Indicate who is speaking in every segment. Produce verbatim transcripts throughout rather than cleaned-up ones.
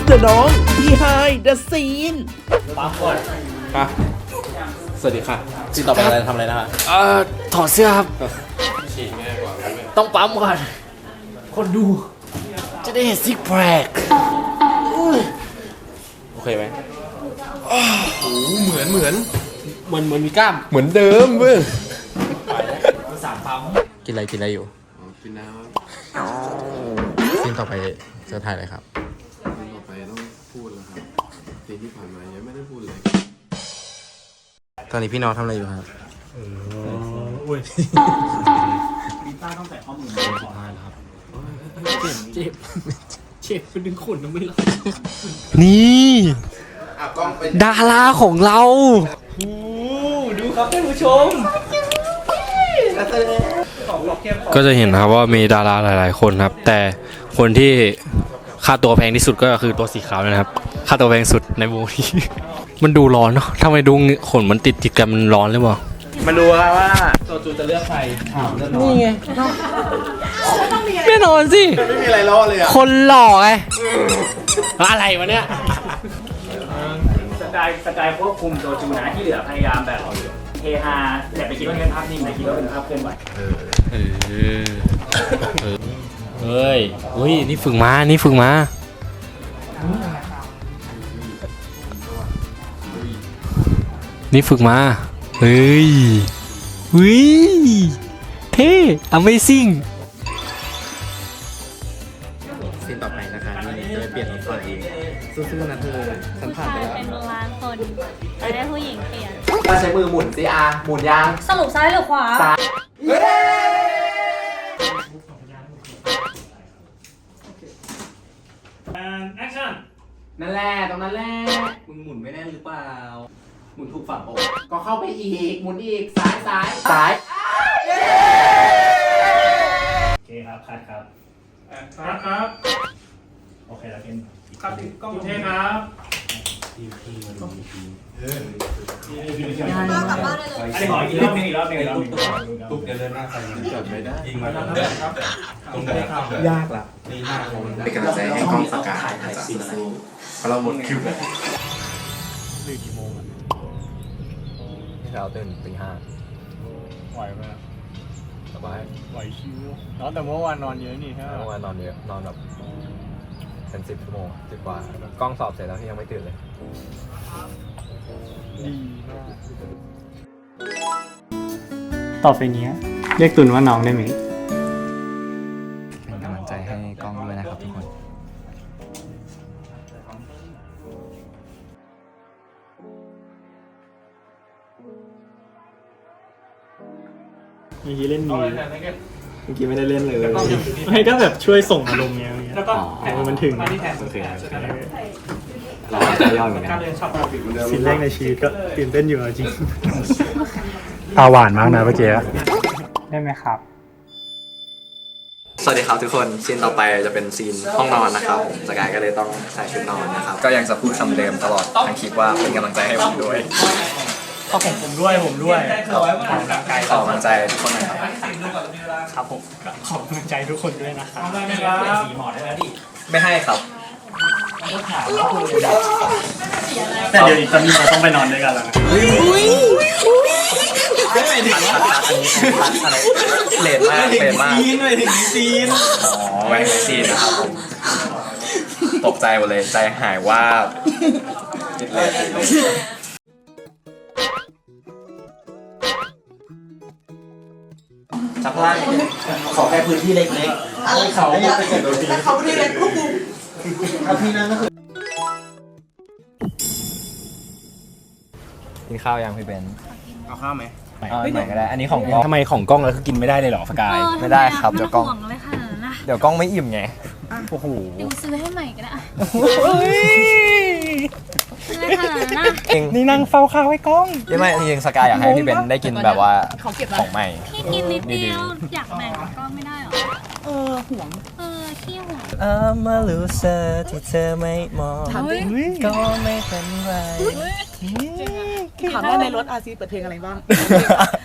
Speaker 1: the น้อง behind the scene
Speaker 2: ปั๊มก่อน
Speaker 3: ค่ะสวัสดีค่ะซีนต่อไปอะไรทำอะไรนะคะ
Speaker 2: เอ่อถอดเสื้อครับต้องปั๊มก่อนคนดูจะได้เห็นซิกแพค
Speaker 3: โอเคไหม
Speaker 2: เหมือนเหมือนเหมือนเหมือนมีกล้าม
Speaker 3: เหมือนเดิมเว้ย
Speaker 2: สามปั๊ม
Speaker 3: กินอะไรกินอะไรอยู่
Speaker 4: กินน้ำ
Speaker 3: ซีนต่อไปจะถ่ายอะไรครับ
Speaker 4: ต่อไปต้องพูดแล้วครับซีนที่ผ่านมายังไม่ได้พูดเลย
Speaker 3: ตอนนี้พี่น้องทำอะไรอยู่ครับ
Speaker 2: อุ้ยมีต้าต้องใส่ข้อมือสุดท้ายแล้วครับเจ็บเจ็บเป็นดึงขนยังไม่รับ
Speaker 3: นี่
Speaker 2: ดาราของเราดูครับท่านผู้ชมก็จะเห็นนะครับว่ามีดาราหลายๆคนครับแต่คนที่ค่าตัวแพงที่สุดก็คือตัวสีขาวนะครับค่าตัวแพงสุดในวงนี้ มันดูร้อนเนาะทำไมดูขนมันติดติดกันมันร้อนหรือเปล่ามาดูว่าตัวจูจะเลือกใครนี่ไงแน่นอนสิไม่มีอะไรล้อเลยอ่ะคนหล่อไงอะไรวะเนี่ย
Speaker 5: สกายสกายควบคุมตัวจูนะที่เหลือพยายามแบบเฮฮาแต่ไปคิดว่าเป็นภาพนิ่งแต่คิดว่าเป็นภาพเคลื่อนไหว
Speaker 2: เออเฮ้ยเฮ้ยนี่ฝึกมานี่ฝึกมานี่ฝึกมาเฮ้ยเฮ้ยเท่ Amazing
Speaker 3: ซีนต่อไปนะคะนี่จะไปเปลี่ยนรถไฟสู้ๆนะเธอฉันผ่านไปแล้ว
Speaker 6: เป็นล้านคนจะได้ผู้หญิงเปลี่ยน
Speaker 3: มาใช้มือหมุนสิอาหมุนยาง
Speaker 6: สรุปซ้ายหรือขวา
Speaker 3: ซ้าย
Speaker 5: action
Speaker 3: นั่นแหละตรงนั้นแหละมึงหมุนไม่แน่นหรือเปล่าหมุนถูกฝั่งปะก็เข้าไปอีกหมุนอีกซ้ายซ้ายซ้าย
Speaker 5: โอเคครับคัดครับคัดครับโอเคแล้วเป็นคัดกล้องเทครับอันนี้ขออีกรอบนึงอีกรอบนึงอีกรอบนึงตุ๊กเดินหน้าใส่จับไม่ได้ยิงมาครับตรงนี้ครับยากละนี่หน้าผมเป็นกำลังใจให้กล้องสกัดถ่ายซีนอะไรเพราะเราหมดคิวเลย
Speaker 3: เราตื่นตีห้า
Speaker 5: ไหวไหม
Speaker 3: สบาย
Speaker 5: ไหวชิวเนาะแต่เมื่อวานนอนเยอะนี่ใช่ไหม
Speaker 3: เมื่อวานนอนเยอะนอนแบบเป็นสิบชั่วโมงสิบกว่ากล้องสอบเสร็จแล้วที่ยังไม่ตื่นเลย
Speaker 5: ดีมากต่อไปนี้เรียกตุนว่าน้องได้ไหม
Speaker 3: เป็นกำลังใจให้กล้องด้วยนะครับทุกคน
Speaker 5: เมื่อกี้เล่นมีเมื่อกี้ไม่ได้เล่นเลยไม่ก็แบบช่วยส่งอารมณ์เงี้ยแล้วก็แอบมันถึงโอเคเราจะย่อยเหมือนกันซีนแรกในชีวิตก็ตื่นเต้นอยู่จริงตาหวานมากนะเมื่อกี้ได้ไหมครับ
Speaker 7: สวัสดีครับทุกคนซีนต่อไปจะเป็นซีนห้องนอนนะครับผมสกายก็เลยต้องใส่ชุดนอนนะครับก็ยังจะพูดคำเดิมตลอดทั้งคลิปว่าเป็นกำลังใจให้ผมด้วย
Speaker 5: ก็ผมผมด้วยผมด้วยขอกำลังใจ
Speaker 7: ขอกำลังใจทุกคนหน่อยครับ
Speaker 5: ครับผมขอกำลังใจทุกคนด้วยนะครับสีหมอได้แล้วดิ
Speaker 7: ไม่ให้ครับ
Speaker 5: แต่เดี๋ยวอีกตอนนี้เราต้องไปนอนด้วยกันแล้วนะ
Speaker 7: อะไรเลนมากเลนมาก
Speaker 5: ซีนไปถึงซีน
Speaker 7: อ๋อไว้ในซีนนะครับผมตกใจหมดเลยใจหายว่าบเลนเลยจับล่างขอแค่พื้นที่เล็กๆอะไรเขาแต่เขาพื้นที่เล็กพวกกูเอาที่นั่นก็คือกินข้าวยังพี่เบน
Speaker 3: เอาข้าวไหม
Speaker 7: เอาใหม่ก็ได้อันนี้ของกล้อง
Speaker 3: ทำไมของกล้องแล้วคือกินไม่ได้เลยเหรอสกาย
Speaker 7: ไม่ได้ครับเดี๋ยวกล้อง
Speaker 6: ห่วงเลยค่ะนะ
Speaker 7: เดี๋ยวกล้องไม่อิ่มไง
Speaker 3: โอ้โห
Speaker 6: เดี๋ยวซื้อให้ใหม่ก็ได้ซื้อให้ค่ะนะ
Speaker 3: นี่นั่งเฝ้าข้าวให้กล้อง
Speaker 7: ยังไม่จริงๆสกายอยากให้พี่เบนได้กินแบบว่าของใหม่
Speaker 6: พี่กินนิดเดียวอยากแบ่งก็ไม่ได้หรอเออห่วงเออขี้ห่วง
Speaker 7: I'm a loser ที่เธอไม่มองก็ไม่เป็นไร
Speaker 8: ถามได้ในรถอาซีเปิดเพลงอะไรบ้าง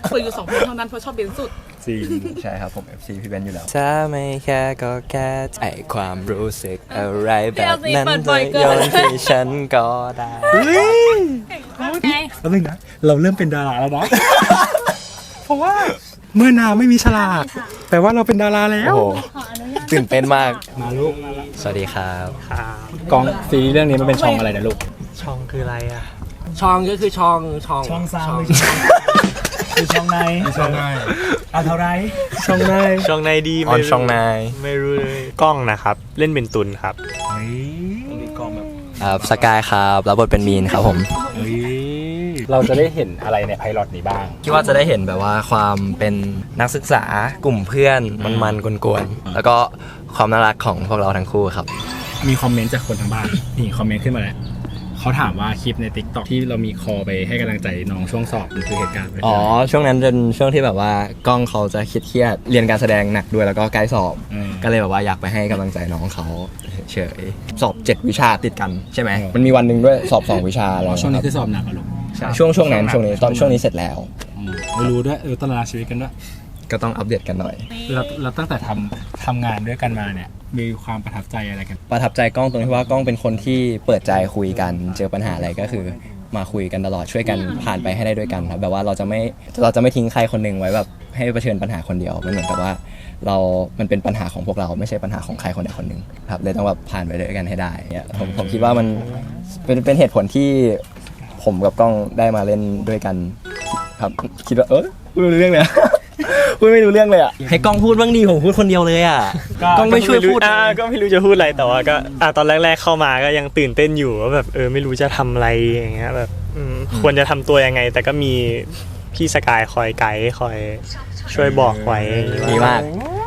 Speaker 8: เปิดอยู่สองเพลงเท่านั้นเพราะชอบเบนสุด
Speaker 7: จริงใช่ครับผม เอฟ ซี พี่เบนอยู่แล้ว
Speaker 9: ถ้าไม่แค่ก็แค่ไอความรู้สึกอะไรแบบนั้น
Speaker 6: เปิด
Speaker 9: เธ
Speaker 6: บ่
Speaker 9: อ
Speaker 6: อยเกิน
Speaker 9: โยนให้ฉันก็ได้
Speaker 6: ไง
Speaker 5: แล้วนึงนะเราเริ่มเป็นดาราแล้วนะ เพราะว่าเมื่อนาไม่มีฉลากแปลว่าเราเป็นดาราแล้ว
Speaker 9: โอ้โหตื่นเต้นมาก
Speaker 5: มาลูก
Speaker 9: สวัสดีครับ
Speaker 5: กองซีรีส์เรื่องนี้มันเป็นช่องอะไรนะลูก
Speaker 9: ช่องคืออะไรอ่ะ
Speaker 3: ช่องก็คือช่องช่อง
Speaker 5: ช่องสามคือช่องในช่องในเอาเท่าไรช่องใน
Speaker 9: ช่องในดีออนช่องนายไม่รู้เลยกล้องนะครับเล่นเป็นตุนครับ
Speaker 5: เฮ้ยมีกองแบบ
Speaker 9: ครับสกายครับรับบทเป็นมีนครับผม
Speaker 5: เฮ้ยเราจะได้เห็นอะไรในไพลอตนี้บ้าง
Speaker 9: คิดว่าจะได้เห็นแบบว่าความเป็นนักศึกษากลุ่มเพื่อนมันๆกวนๆแล้วก็ความน่ารักของพวกเราทั้งคู่ครับ
Speaker 5: มีคอมเมนต์จากคนทางบ้านนี่คอมเมนต์ขึ้นมาแล้วเขาถามว่าคลิปใน ติ๊กต็อก ที่เรามีคอไปให้กำลังใจน้องช่วงสอบมันคือเหตุการณ์อะไร
Speaker 9: อ๋อช่วงนั้นเป็นช่วงที่แบบว่ากล้องเขาจะเครียดๆเรียนการแสดงหนักด้วยแล้วก็ใกล้สอบ
Speaker 5: อืม
Speaker 9: ก็เลยแบบว่าอยากไปให้กำลังใจน้องเขาเฉยๆสอบเจ็ดวิชาติดกันใช่ไหมมันมีวันหนึ่งด้วยสอบสองวิชาอะไร
Speaker 5: อ๋อช่วงนี้
Speaker 9: ค
Speaker 5: คื
Speaker 9: รับ
Speaker 5: อสอบหนักเหรอลูก
Speaker 9: ใช่ช่วงช่วงนั้นช่วงนี้ตอนช่วงนี้เสร็จแล้ว
Speaker 5: อืมไม่รู้ด้วยเออตารางชีวิตกันด้วย
Speaker 9: ก็ต้องอัปเดตกันหน่อย
Speaker 5: เราเราตั้งแต่ทำทำงานด้วยกันมาเนี่ยมีความประทับใจอะไรกัน
Speaker 9: ประทับใจกล้องตรงที่ว่ากล้องเป็นคนที่เปิดใจคุยกันเจอปัญหาอะไรก็คือมาคุยกันตลอดช่วยกันผ่านไปให้ได้ด้วยกันครับแบบว่าเราจะไม่เราจะไม่ทิ้งใครคนหนึ่งไว้แบบให้เผชิญปัญหาคนเดียวมันเหมือนกับว่าเรามันเป็นปัญหาของพวกเราไม่ใช่ปัญหาของใครคนใดคนหนึ่งครับเลยต้องแบบผ่านไปด้วยกันให้ได้เนี่ยผมผมคิดว่ามันเป็นเป็นเหตุผลที่ผมกับกล้องได้มาเล่นด้วยกันครับคิดว่าเออพูดไม่รู้เรื่องเลยอะ พูดไม่รู้เรื่องเลยอ่ะให้กล้องพูดบ้างดีผมพูดคนเดียวเลยอ่ะกล้องไม่ช่วยพูด
Speaker 5: อ่าก็ไม่รู้จะพูดอะไรแต่ว่าก็อ่าตอนแรกๆเข้ามาก็ยังตื่นเต้นอยู่ว่าแบบเออไม่รู้จะทำอะไรอย่างเงี้ยแบบอืมควรจะทำตัวยังไง แต่ก็มีพี่สกายคอยไกด์คอยช่วยบอกไว้
Speaker 9: ดีมาก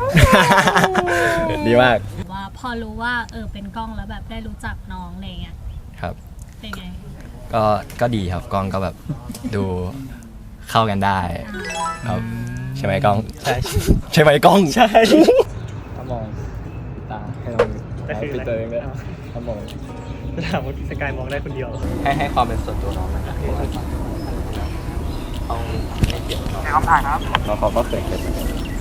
Speaker 9: ดีมาก
Speaker 6: ว่าพอรู้ว่าเออเป็นกล้องแล้วแบบได้รู้จักน้องอะไรเงี้ย
Speaker 9: ครับ
Speaker 6: เป็นไง
Speaker 9: ก็ก็ดีครับกล้องก็แบบดูเข้ากันได้ครับใช่ไหมกล้องใช่ใช่ไหมกล้องใช่ถ้ามองตาให้เราปิดตัวเองด้วยถ้ามอง
Speaker 5: ถามว่าสกายมองได้คนเดียว
Speaker 9: ให้ให้ความเป็นส่วนตัวน้องนะครับต้องให้เกียรติน้องคำถามครับน้องเขาก็เคยเป็น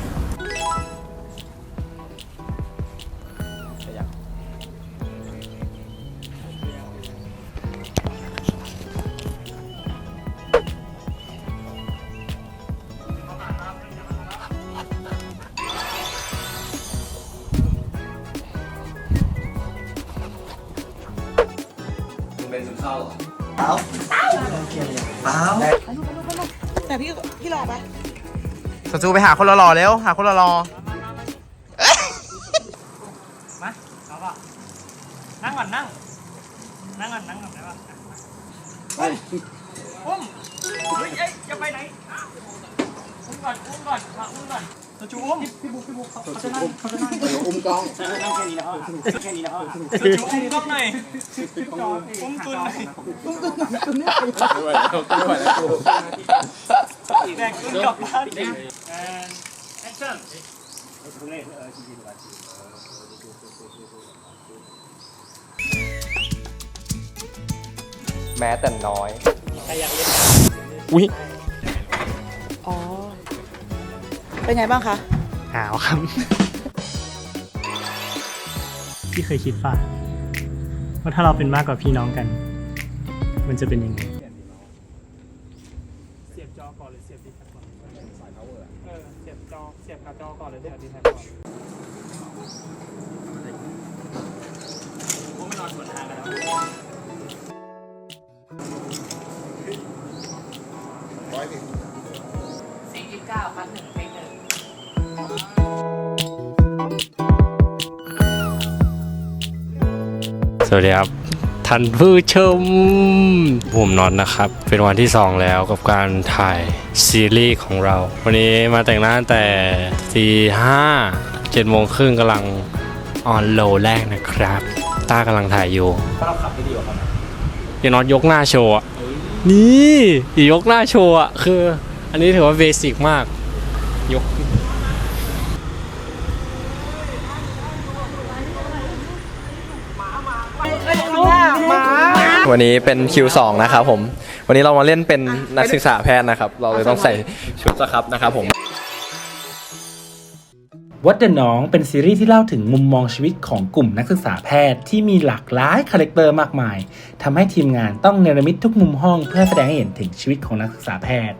Speaker 9: เป็นซึมเศร้าเหรอเปล่าเปล่า
Speaker 8: แต่พี่พี่รอปะ
Speaker 3: สจูไปหาคนหล่อๆเร็วหาคนหล่อ
Speaker 5: มาเอาป่ะนั่งก่อนนั่งนั่งก่อนนั่งก่อนได้ป่ะอุ้มอุ้มเฮ้ยเอ้ยอย่าไปไหนอุ้มก่อนอุ้มก่อนมาอุ้มก่อนสจูอุ้มพี่บุ๊คพี่บุ๊คเขาจะนั่งเขาจะนั่งอุ้มกล้องนั่งแค่นี้แล้วแค่นี้แล้วสจูอุ้มกล้องหน่อยอุ้มตุนหน่อยอุ้มตุนหน่อยตุนเนี่ยไม่ไหวแล้วไม่ไหวแล้วแบกตุนกลับบ้าน and action
Speaker 9: แม้แต่น้อย
Speaker 5: อุ้ย
Speaker 8: อ๋อเป็นไงบ้างคะ
Speaker 5: หาวครับ พี่เคยคิดป่ะว่าถ้าเราเป็นมากกว่าพี่น้องกัน มันจะเป็นยังไงเสียบจอก่อนหรือเสียบดีแท็บก่อนเออเสียบจอเสียบกับจอก่อนหรือเสียบดีแท็บก่อนผมไม่นอนสวนทางกันแล้ว
Speaker 8: สี่สิบเก้าพันหนึ่งเพลงหนึ่ง
Speaker 2: สวัสดีครับท่านผู้ชมผมน็อตนะครับ เป็นวันที่สองแล้วกับการถ่ายซีรีส์ของเรา วันนี้มาแต่งหน้าแต่ตีห้าเจ็ดโมงครึ่งกำลังออนโลแรกนะครับต้ากำลังถ่ายอยู่เราขับได้ดีกว่าครับพี่น็อตยกหน้าโชว์อะนี่ยกหน้าโชว์อะคืออันนี้ถือว่าเบสิกมากยก
Speaker 9: วันนี้เป็นคิวสองนะครับผมวันนี้เรามาเล่นเป็นนักศึกษาแพทย์นะครับ เราเลยต้องใส่ชุดสครับนะครับผม
Speaker 10: วัดเดอะน้องเป็นซีรีส์ที่เล่าถึงมุมมองชีวิตของกลุ่มนักศึกษาแพทย์ที่มีหลากหลายคาแรคเตอร์มากมายทำให้ทีมงานต้องเนรมิตทุกมุมห้องเพื่อแสดงให้เห็นถึงชีวิตของนักศึกษาแพทย์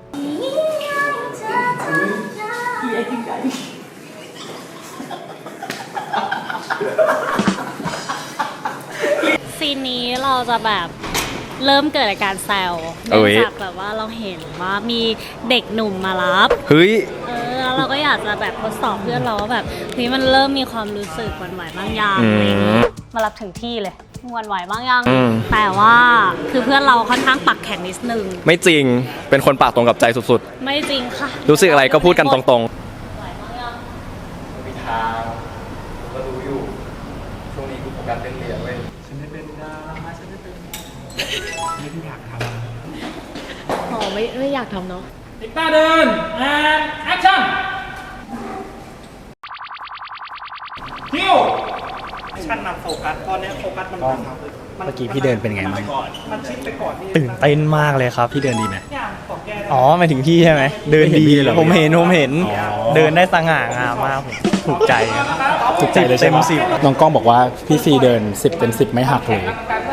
Speaker 6: ซีนนี้เราจะแบบเริ่มเกิดอาการแซว
Speaker 9: เอ้
Speaker 6: เนื่อย งจากแบบว่าเราเห็นว่ามีเด็กหนุ่มมารับ
Speaker 9: เฮ้ย
Speaker 6: เออแล้วเราก็อยากจะแบบทดสอบเพื่อนเราว่าแบบเฮ้ยมันเริ่มมีความรู้สึกหวั่นไหวบ้างยัง
Speaker 9: อืม
Speaker 6: อะไรอย่างงี้มารับถึงที่เลยหวั่นไหวบ้างยัง
Speaker 9: อืม
Speaker 6: แต่ว่าคือเพื่อนเราค่อนข้างปักแข็งนิดนึง
Speaker 9: ไม่จริง เป็นคนปากตรงกับใจสุด
Speaker 6: ไม่จริงค่ะ
Speaker 9: ๆ รู้สึกอะไรก็พูดกันตรง
Speaker 6: ไหวบ้างยัง
Speaker 9: ๆมีทางก็รู้อยู่ ช่วงนี้กูโฟกัสเรื่องเรียนเว้ย
Speaker 8: อ๋อไม่ไม่อยากทำเนาะ
Speaker 5: ติ๊กตาเดินแอนแอคชั่นคิวชันนำโฟกัสตอนนี้โฟกัสมันมันเมื่อกี้พี่เดินเป็นไงบ้างมันชิดไปก่อนตื่นเต้นมากเลยครับพี่เดินดีไหมอ๋อหมายถึงพี่ใช่ไหมเดินดีผมเห็นผมเห็นเดินได้สง่างามมากถูกใจถูกใจเลยใช่ไหมสิบน้องกล้องบอกว่าพี่ซีเดินสิบเป็นสิบไม่หักเลย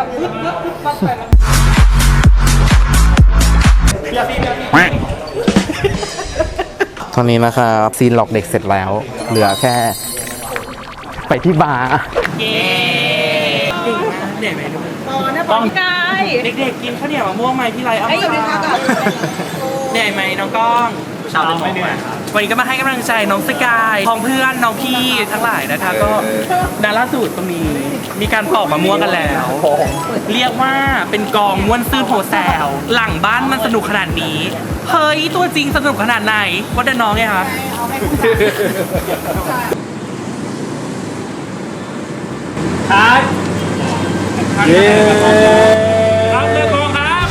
Speaker 5: ตอนนี้นะครับซีนหลอกเด็กเสร็จแล้ว เหลือแค่ไปที่บาร์ต้องกายเด็กๆกินข้าวเหนียวมะม่วงไหมพี่ไรเอาให้อยู่ในทักอะเหนื่อยไหมน้องก้องชาวไม่เหนื่อยวันนี้ก็มาให้กำลังใจน้องสกายพ้องเพื่อนน้องพี่ทั้งหลายนะคะก็ดาราสูตรก็มีมีการปอกมะม่วงกันแล้วเรียกว่าเป็นกองม้วนซื่นโหแซวหลังบ้านมันสนุกขนาดนี้เฮ้ยตัวจริงสนุกขนาดไหนว่าแต่น้องไงคะครับเย้ครับเลือกกองครับ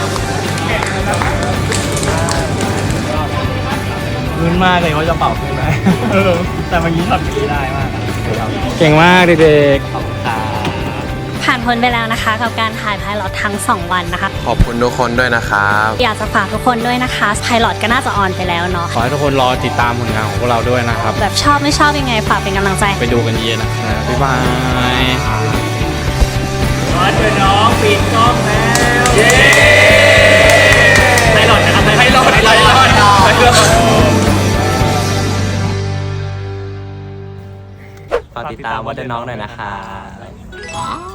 Speaker 5: มึนมากเลยว่าจะเป่าขึ้นไหมเออแต่เมื่อกี้ทำอย่างนี้ได้มากเก่งมากเด็กๆขอบคุณครับ
Speaker 6: ผ่านพ้นไปแล้วนะคะกับการถ่ายไพลอตทั้งสองวันนะคะ
Speaker 4: ขอบคุณทุกคนด้วยนะครับ
Speaker 6: อยากจะฝากทุกคนด้วยนะคะไพลอตก็น่าจะออนไปแล้วเนาะ
Speaker 2: ขอให้ทุกคนรอติดตามผลงานของพวกเราด้วยนะครับ
Speaker 6: แบบชอบไม่ชอบยังไงฝากเป็นกำลังใจ
Speaker 2: ไปดูกันเยอะนะครับบ๊ายบาย
Speaker 5: มาเจอน้องปิดกล้องแล้วเย้ไพลอตนะครับไพลอตไพลอตไพลอต
Speaker 9: ฝากติดตามวัดเดอะน้องหน่อยนะคะ